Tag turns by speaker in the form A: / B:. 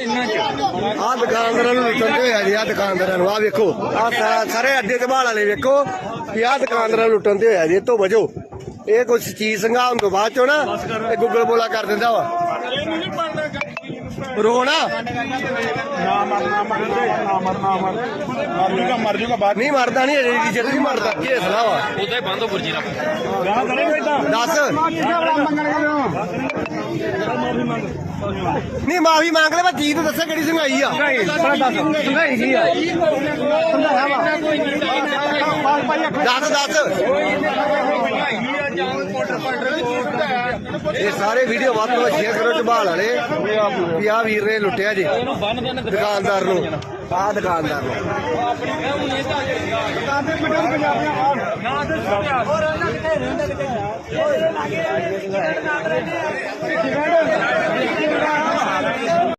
A: ਆਹ ਦੁਕਾਨਦਾਰਾਂ ਨੂੰ ਲੁੱਟਣ ਤੇ ਹੋਇਆ ਜੀ। ਆਹ ਦੁਕਾਨਦਾਰਾਂ ਨੂੰ ਆਹ ਵੇਖੋ, ਆਹ ਸਾਰੇ ਅੱਡੇ ਤੇ ਬਾਲ ਵਾਲੇ ਵੇਖੋ ਵੀ ਆਹ ਦੁਕਾਨਦਾਰਾਂ ਨੂੰ ਲੁੱਟਣ ਤੇ ਹੋਇਆ ਜੀ। ਇਹ ਤੋਂ ਵਜੋ ਇਹ ਕੁਛ ਚੀਜ਼ ਸੰਘਾਉਣ ਤੋਂ ਬਾਅਦ ਚੋਂ ਨਾ ਇਹ ਗੁੱਗਲ ਬੋਲਾ ਕਰ ਦਿੰਦਾ ਵਾ। ਰੋਣਾ ਨਹੀਂ ਮਰਦਾ ਨਹੀਂ ਅਜੇ ਜਦ ਨਹੀਂ ਮਰਦਾ ਕੀ ਹਸਲਾ ਵਾ
B: ਉਦਾਂ ਹੀ ਬੰਦ ਹੋ ਗੁਰਜੀ ਰੱਖ
A: ਦੱਸ ਨਹੀਂ ਮਾਫੀ ਮੰਗ ਲੈ। ਮੈਂ ਚੀਜ਼ ਦੱਸਾਂ ਕਿਹੜੀ ਸੰਘਾਈ ਆ। ਦੱਸ ਇਹ ਸਾਰੇ ਵੀਡੀਓ ਵੱਧ ਤੋਂ ਵੱਧ ਸ਼ੇਅਰ ਕਰੋ ਝਬਾਲ ਵਾਲੇ ਵੀ ਆਹ ਵੀਰ ਨੇ ਲੁੱਟਿਆ ਜੀ ਦੁਕਾਨਦਾਰ ਨੂੰ। ਆਹ ਦੁਕਾਨਦਾਰ ਨੂੰ